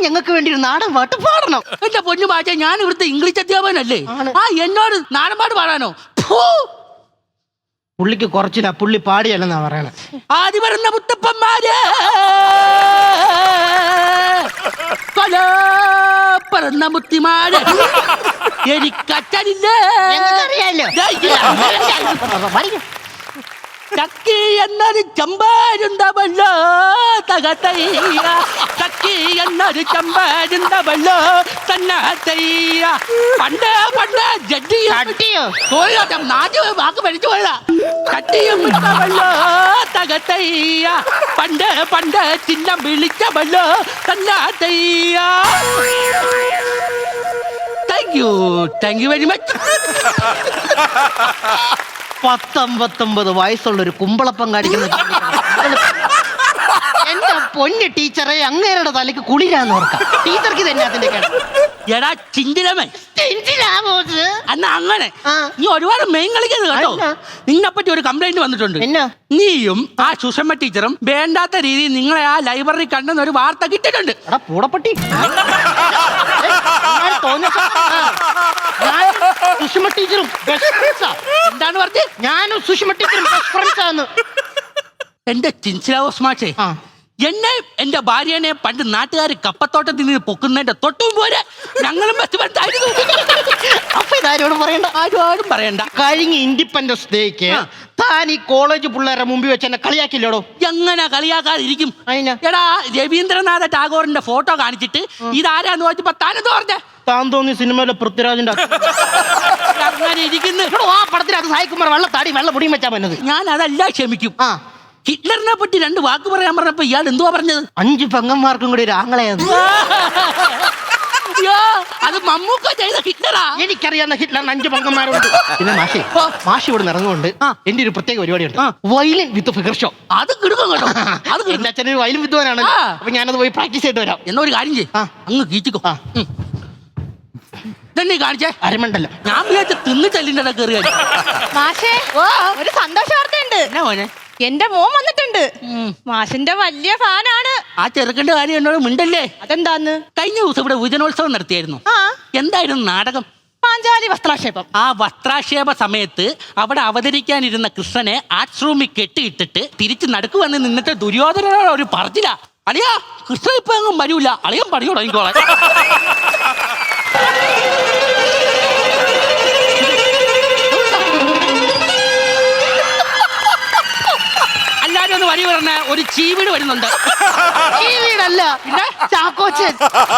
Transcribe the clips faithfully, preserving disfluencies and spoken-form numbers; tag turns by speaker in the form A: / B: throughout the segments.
A: ഞങ്ങൾക്ക് വേണ്ടി ഒരു നാടൻ പാട്ട് പാടണം.
B: എന്റെ പൊന്നു മാഷേ, ഞാൻ ഇവിടുത്തെ ഇംഗ്ലീഷ് അധ്യാപകനല്ലേ? ആ എന്നോട് നാടൻ പാട്ട് പാടാനോ?
A: പുള്ളിക്ക് കുറച്ചില്ല, പുള്ളി പാടിയല്ലെന്നാ പറയണേ.
B: ആദ്യ വരുന്ന മുത്തപ്പന്മാര് പറന്ന മുത്തിമാര് എനിക്കച്ഛനില്ലേ? ചക്കി എന്നൊരു ചമ്പാരുണ്ടവല്ലോ തകത്തയ്യ, ചക്കി എന്നൊരു ചമ്പാരുണ്ടവല്ലോ തന്നത്തയ്യ. പണ്ട് പണ്ട് ജഡ്ജിയോ നാട്ടിൽ വാക്ക് പഠിച്ചു പോയതാ. ചട്ടിയും വിട്ടവല്ലോ തകത്തയ്യ, പണ്ട് പണ്ട് ചിഹ്നം വിളിച്ചവല്ലോ തന്നത്തയ്യ. Thank you thank you very much.
A: പത്തൊമ്പത്തൊമ്പത് വയസ്സുള്ള ഒരു കുമ്പളപ്പം കാണിക്കുന്ന എന്റെ പൊന്ന് ടീച്ചറെ, അങ്ങേരുടെ തലക്ക് കുളിരാന്ന് ഓർക്കാം. ടീച്ചർക്ക് തന്നെ അതിന്റെ
B: എടാ ചിന്തിരമേ അന്ന് അങ്ങനെ നീ ഒരുപാട് മെയിൻ കളിക്കരുത് കേട്ടോ. നിന്നെ പറ്റി ഒരു കംപ്ലൈന്റ് വന്നിട്ടുണ്ട്. നീയും ആ സുഷമ്മ ടീച്ചറും വേണ്ടാത്ത രീതിയിൽ നിങ്ങളെ ആ ലൈബ്രറി കണ്ടെന്ന് ഒരു വാർത്ത കിട്ടിയിട്ടുണ്ട്.
A: എടാ പൂടപ്പട്ടി, സുഷമ ടീച്ചറും
B: എന്താണ് പറഞ്ഞത്?
A: ഞാനും സുഷമ ടീച്ചറും ബെസ്റ്റ് ഫ്രണ്ട്സ് ആണ്.
B: എന്റെ ചിൻസിലാവോസ് മാഷേ, എന്നെ എന്റെ ഭാര്യനെ പണ്ട് നാട്ടുകാർ കപ്പത്തോട്ടത്തിൽ നിന്ന് പൊക്കുന്നതിന്റെ തൊട്ടും പോലെ ഞങ്ങളും ബെസ്റ്റ് ഫ്രണ്ട്സ് ആയിരുന്നു.
A: അപ്പൊ ഇതാരോടും പറയണ്ട,
B: ആരോടും പറയണ്ട.
A: കഴിഞ്ഞ ഇൻഡിപെൻഡൻസ് ഡേക്ക് താൻ ഈ കോളേജ് പിള്ളേരെ മുമ്പിൽ വെച്ച് എന്നെ കളിയാക്കില്ലോടോ.
B: എങ്ങനെ കളിയാക്കാതിരിക്കും? എടാ രവീന്ദ്രനാഥ ടാഗോറിന്റെ ഫോട്ടോ കാണിച്ചിട്ട് ഇതാരാന്ന് ചോദിച്ചപ്പോ താനെന്ന് പറഞ്ഞേ?
A: താൻ തോന്നി സിനിമയിലെ പൃഥ്വിരാജിന്റെ
B: അങ്ങനെ ഇരിക്കുന്നു.
A: ആ പടത്തിൽ അത് സായിക്കുമാർ വെള്ള താടി വെള്ള പൊടിയും വെച്ചാ പറ്റുന്നത്.
B: ഞാൻ അതെല്ലാം ക്ഷമിക്കും. ആ ഹിറ്റ്ലറിനെ പറ്റി രണ്ട് വാക്ക് പറയാൻ പറഞ്ഞപ്പോ ഇയാൾ എന്തുവാ പറഞ്ഞത്?
A: അഞ്ചു പെങ്ങന്മാർക്കും കൂടി ഒരു ആങ്ങളെയാണ്.
B: അത് മമ്മൂക്ക ചെയ്ത ഹിറ്റ്ലറാ.
A: എനിക്കറിയാവുന്ന ഹിറ്റ്ലറിന് അഞ്ചു പെങ്ങന്മാരുണ്ട്. പിന്നെ മാഷി മാഷി ഇവിടെ ഇറങ്ങുകൊണ്ട് എന്റെ ഒരു പ്രത്യേക പരിപാടിയുണ്ട്, വയലിൻ വിത്ത് ഫിഗർ ഷോ. അത് കിടക്കും കേട്ടോ. അത് എന്റെ അച്ഛനൊരു വയലിൻ വിദ്വാനാണ്. അപ്പൊ ഞാനത് പോയി പ്രാക്ടീസ് ചെയ്തിട്ട് വരാം.
B: എന്നാ ഒരു കാര്യം ചെയ്യ്, അങ്ങ് കീച്ചിക്കോ. ഇതന്നെ കാണിച്ചേ അരമണ്ടല്ലോ. ഞാൻ വിചാരിച്ച തിന്ന് ചെല്ലിന്റെ കയറി.
C: മാഷേ, ഒരു സന്തോഷ വാർത്തയുണ്ട്.
B: എന്നാ മോനെ?
C: എന്റെ മോൻ വന്നിട്ടുണ്ട്. മാഷിന്റെ വലിയ ഫാനാണ്.
B: ആ ചെറുക്കന്റെ കാര്യം എന്നോട് മിണ്ടല്ലേ.
C: അതെന്താന്ന്?
B: കഴിഞ്ഞ ദിവസം ഇവിടെ യുവജനോത്സവം നടത്തിയായിരുന്നു. എന്തായിരുന്നു നാടകം?
C: പാഞ്ചാലി വസ്ത്രാക്ഷേപം.
B: ആ വസ്ത്രാക്ഷേപ സമയത്ത് അവിടെ അവതരിക്കാനിരുന്ന കൃഷ്ണനെ ആർട്സ് റൂമിൽ കെട്ടിയിട്ടിട്ട് തിരിച്ച് നടുക്ക് വന്ന് നിന്നിട്ട് ദുര്യോധനോട് ഒരു പറഞ്ഞില്ല, അളിയാ കൃഷ്ണൻ ഇപ്പൊ എങ്ങും വരൂല, അളിയൻ പണി തുടങ്ങിക്കോളെ. എല്ലാരും ഒന്ന് വരി പറഞ്ഞ ഒരു ചീവീട് വരുന്നുണ്ട്.
A: ചീവീടല്ല, പിന്നെ ചാക്കോച്ചൻ.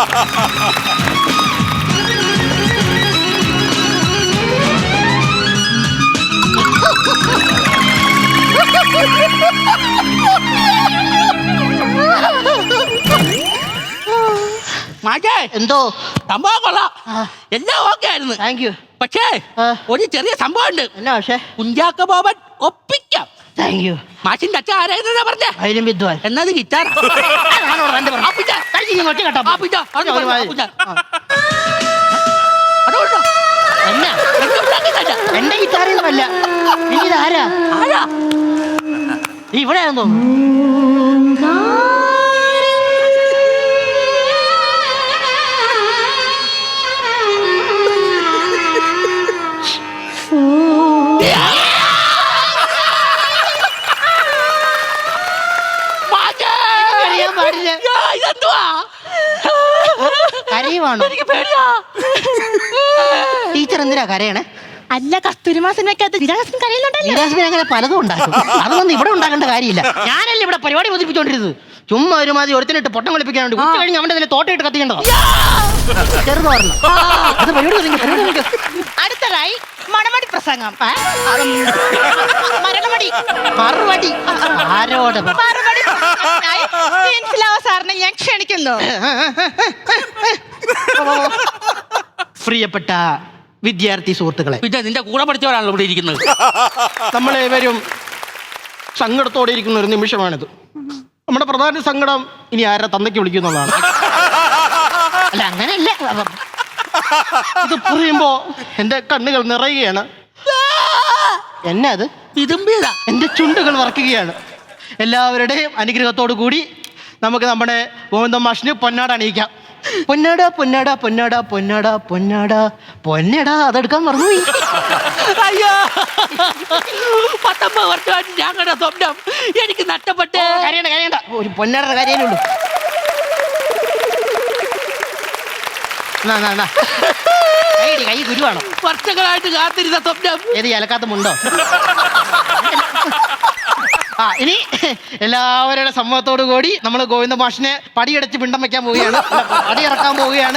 B: മാറ്റേ
A: എന്തോ
B: സംഭവം കൊള്ളാം, എല്ലാം ഓക്കെ ആയിരുന്നു.
A: Thank you.
B: പക്ഷേ ഒരു ചെറിയ സംഭവം ഉണ്ട്.
A: എന്നാ? പക്ഷേ
B: കുഞ്ചാക്ക ബോബൻ ഒപ്പിക്കാം.
A: Thank you.
B: മാഷിന്റെ അച്ഛൻ ആരായിരുന്നാ പറഞ്ഞേ?
A: വയലിൻ വിദ്വാൻ.
B: എന്നത് ഗിറ്റാർ.
A: എന്റെ ഗിറ്റാറൊന്നുമല്ല. ഇനി ഇതാരാ?
B: ആരാ
A: ഇവിടെയാണെന്ന് തോന്നുന്നു. കരയുവാണോ? ടീച്ചർ എന്തിനാ കരയണേ?
C: അല്ല, കസ്തൂരിമാ സിനിമയ്ക്കകത്ത് നിരാശൻ കരയുന്നുണ്ടല്ലോ.
A: നിരാശൻ അങ്ങനെ പലതും ഉണ്ടാക്കും. അതൊന്നും ഇവിടെ ഉണ്ടാക്കേണ്ട കാര്യമില്ല. ഞാനല്ലേ ഇവിടെ പരിപാടി ബോധിപ്പിച്ചോണ്ടിരുന്നത്. ചുമ്മാ ഒരുമാതിരി ഒരുത്തിനിട്ട് പൊട്ടം കളിപ്പിക്കാനുണ്ട്. ഉച്ച കഴിഞ്ഞ് അവന്റെ തന്നെ തോട്ടയിട്ട് കത്തിക്കണ്ടോ? ചെറുത് പറഞ്ഞു. അത് പരിപാടി.
C: അടുത്തതായി മണമടി പ്രസംഗം. മരണമടി
A: മറുപടി ആരോട്?
C: സാറിനെ ഞാൻ ക്ഷണിക്കുന്നു.
A: പ്രിയപ്പെട്ട വിദ്യാർത്ഥി സുഹൃത്തുക്കളെ,
B: പിന്നെ നിന്റെ കൂടെ പഠിച്ചവരാണല്ലോ ഇവിടെ ഇരിക്കുന്നത്.
A: നമ്മളേവരും സങ്കടത്തോടെ ഇരിക്കുന്ന ഒരു നിമിഷമാണിത്. നമ്മുടെ പ്രധാന സങ്കടം ഇനി ആരെ തന്തയ്ക്ക് വിളിക്കുന്നുള്ളതാണ്. അല്ല, അങ്ങനെയല്ല. ഇത് പറയുമ്പോ എന്റെ കണ്ണുകൾ നിറയുകയാണ്. എന്നെ അത്
B: ഇതുമ്പിയതാ.
A: എന്റെ ചുണ്ടുകൾ വറക്കുകയാണ്. എല്ലാവരുടെയും അനുഗ്രഹത്തോടു കൂടി നമുക്ക് നമ്മുടെ ഗോവിന്ദ മാഷിന് പൊന്നാട അണിയിക്കാം. പൊന്നാട പൊന്നാട പൊന്നാട പൊന്നാട പൊന്നാട പൊന്നടാ അതെടുക്കാൻ മറന്നുപോയി.
B: അയ്യോ പത്തൊമ്പത് വർഷമായിട്ട് ഞാൻ കണ്ട സ്വപ്നം എനിക്ക് നഷ്ടപ്പെട്ടേ.
A: കരയണ്ട കരയണ്ട, ഒരു പൊന്നാടയുടെ കാര്യമേ ഉള്ളൂ. നാ, നാ, നാ. കൈയടി, കൈ ഗുരുവാണോ?
B: വർഷങ്ങളായിട്ട് കാത്തിരുന്ന സ്വപ്നം.
A: ഏത് അലക്കാത്തമുണ്ടോ? ആ ഇനി എല്ലാവരുടെ സമ്മതത്തോടു കൂടി നമ്മൾ ഗോവിന്ദ മാഷിനെ പടിയടച്ച് പിണ്ടം വെക്കാൻ പോവുകയാണ്, പടിയിറക്കാൻ പോവുകയാണ്.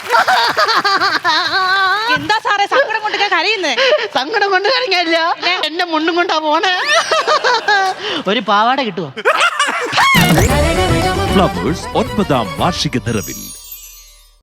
C: എന്താ സാറേ സങ്കടം കൊണ്ട് കരയുന്നത്?
A: സങ്കടം കൊണ്ട് കഴിഞ്ഞല്ല, എന്നെ മുണ്ടും കൊണ്ടാ പോണേ. ഒരു പാവാട കിട്ടുമോ?
D: ഫ്ലവേഴ്സ് ഒൻപതാം വാർഷിക നിറവിൽ